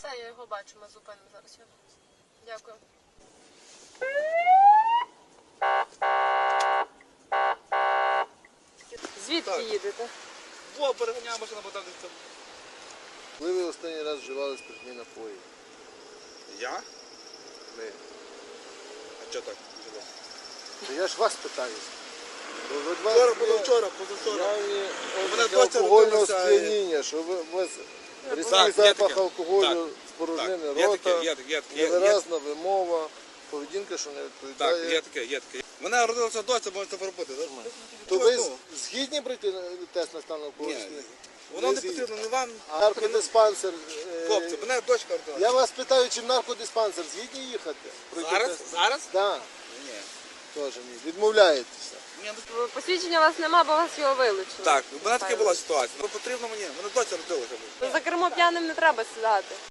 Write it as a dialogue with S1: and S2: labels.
S1: Це я його бачу, ми зупинимо зараз його. Дякую. Звідки
S2: Так.
S1: їдете?
S2: Во, переганяє машина, бо там десь.
S3: Коли ви останній раз вживали спиртні напої?
S2: Я?
S3: Ми.
S2: А чого так? Вживав?
S3: То я ж вас питаюся.
S2: Вчора, позавчора. Мене
S3: Ознаки
S2: доця
S3: алкогольного
S2: родилася і-
S3: сп'яніння, що у вас різкий
S2: Так, є
S3: запах
S2: таке.
S3: алкоголю,
S2: Так,
S3: спорожнини
S2: так, є
S3: рота,
S2: таке, є таке, є
S3: невиразна вимова, поведінка, що не
S2: Так,
S3: відповідає.
S2: є таке. Мене родилася доця, можете поробити, так?
S3: То ви згідні пройти тест на стан алкоголю?
S2: Ні, воно не потрібно не вам.
S3: А наркодиспансер?
S2: Хлопці, мене дочка родилася.
S3: Я вас питаю, чи в наркодиспансер згідні їхати? Пройти
S2: Зараз?
S3: тест?
S2: Зараз?
S3: Так,
S2: Ні.
S3: теж ні. Відмовляєтеся.
S2: Ні,
S1: Посвідчення у вас нема, бо вас його вилучили.
S2: так, у мене така була ситуація. Потрібно мені, мене доця родилася.
S1: За кермо п'яним не треба сідати.